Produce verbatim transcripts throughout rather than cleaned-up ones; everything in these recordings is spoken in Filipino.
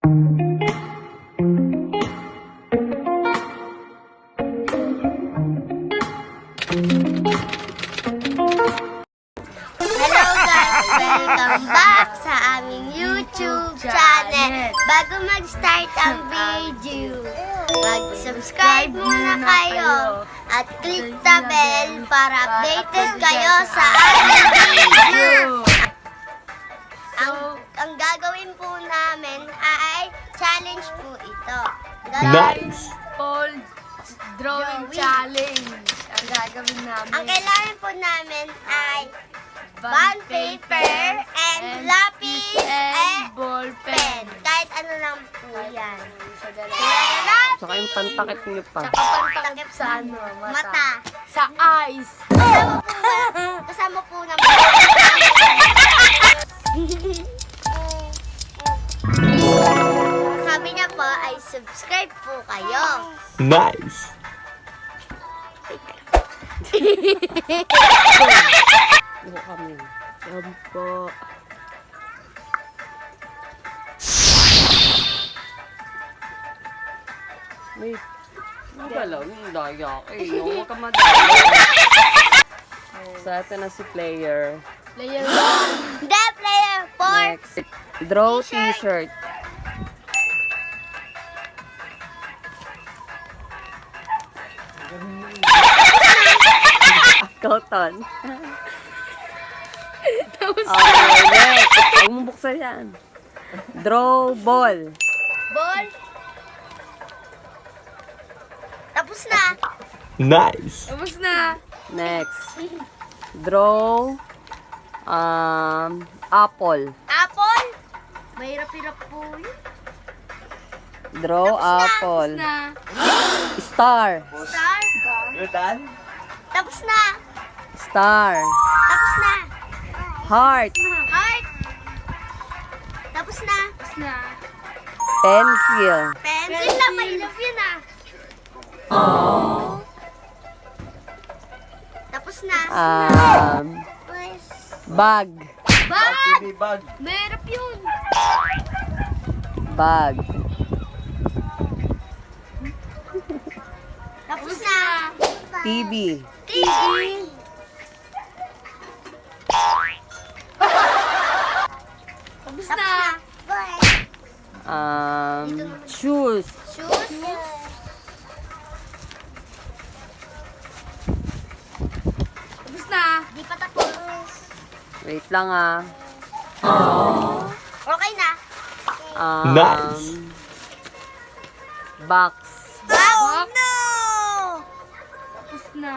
Hello guys! Welcome back sa aming YouTube channel. Bago mag-start ang video, mag-subscribe muna kayo at click the bell para updated kayo sa aming video. Ang, ang gagawin po namin ay challenge po ito. Gagawin, Nice. Paul drawing challenge ang gagawin namin. ang kailangan po namin ay bond paper and lapis and ball pen. pen. Kahit ano lang po yan. Sa dalawa. Kailangan Saka yung pantakip niyo pa. Saka pantakip sa ano, mata. mata. Sa eyes. Kasama po ba? Kasama po naman. Sabi niya po ay subscribe po kayo. Nice. Buka kami. Sampo. May magalaw yung daya. Eh, huwag ka madaya. So, ito na si player. Player one. The player four. Next. Draw t-shirt. Cotton. Okay, next. Huwag mo buksan yan. Draw ball. Ball. Tapos na. Nice. Tapos na. Next. Draw um, apple. Apple. Mahirap-hirap po yun. Draw apple. Na. Star. Star. Tapos na. Star. Tapos na. Heart. Heart. Tapos na. Tapos na. Pencil. Pencil na. Mahirap yun ah. Tapos na. Um, bag. Bag. Mahirap yun. Bag. Tapos na. T V. T V. Tapos Tapos na. na. Um, shoes. Shoes. Tapos na. Di pa tapos. Wait lang ah. Okay na. Um, Nice. Box. Oh no! Tapos na.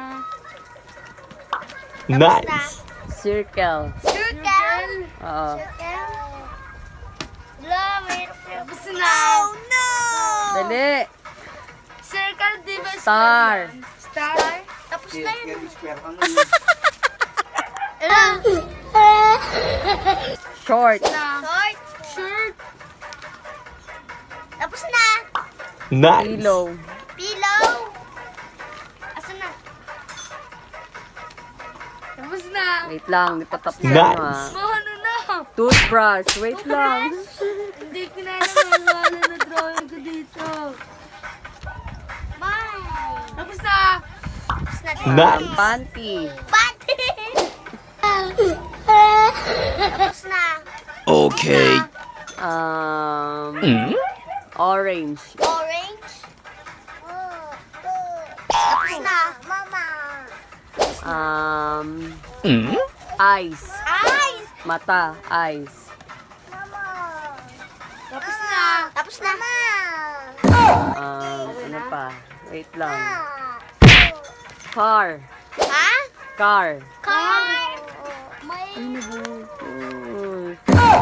Nice. Circle. Circle. Oo. Circle. Wala, mahirap yun. Tapos na. Oh no! Dali. Circle, di ba? Star. Star. Tapos na yun. Short. Na. Short. Shirt. Tapos na. Nice. Pillow. Pillow. Asan na? Tapos na. Wait lang, di pa tapos Nice. ano ah. Ano na? Toothbrush. Wait lang. Hindi ko na alam ang na drawing ko dito. Bye. Tapos na. Tapos na. Nice. Panty. Pati. Tapos na. Okay. Um, Mm? orange. Orange. Tapos na. Mama. Um, Mm? eyes. Eyes. Mata. Eyes. Tapos na. Tapos na. Um, ano pa? Wait lang. Car. Ha? Car. Car. May... Uy.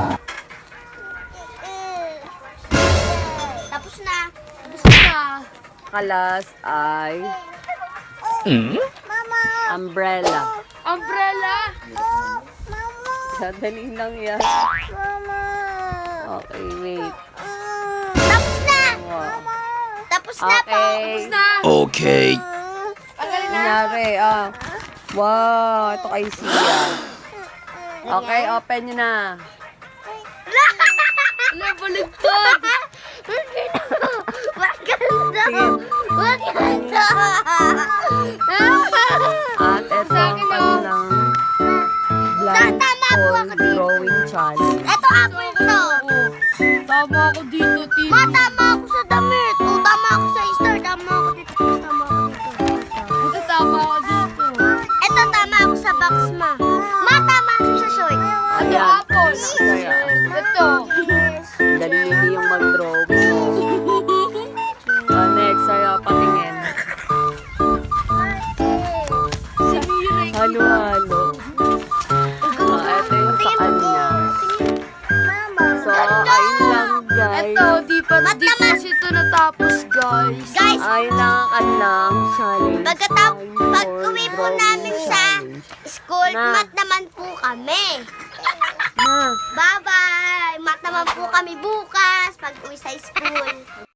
Tapos na. Tapos na. Kalas ay Mm? umbrella. Umbrella. Sadali lang yan. Okay, wait. Tapos na. Wow. Tapos na po. Okay. Tapos na. Okay. Tanggalin na. Kunyari, ah. Wow, ito kay Sia. Okay, open nyo na. Ala, baligtad. At ito ang kanilang blind Tama po hole ako dito. drawing challenge. Ito apple to. Tama ako dito, Tito. Ma, tama ako sa damit. O, tama ako sa star. Tama ako dito. Tama ako dito. Ito, tama ako dito. Ito, tama ako sa box, ma. Ma, tama ako sa short. Ito, Ayan, apple. nakasaya. Ito. Dali yung mag-drawing. Ah, next, sa'yo, patingin. Si Mio na yung Halo-halo. Ah, ito yung sa kanya. Mama. So, ayun lang, guys. Ito, di pa, di pa kasi ito natapos, guys. Guys, Ayun lang ang kanilang challenge. Pagkatap, Blind pag hole uwi po drawing namin sa challenge. school, Na. mat naman po kami. Na. Bye-bye! Mat naman po kami bukas pag uwi sa school.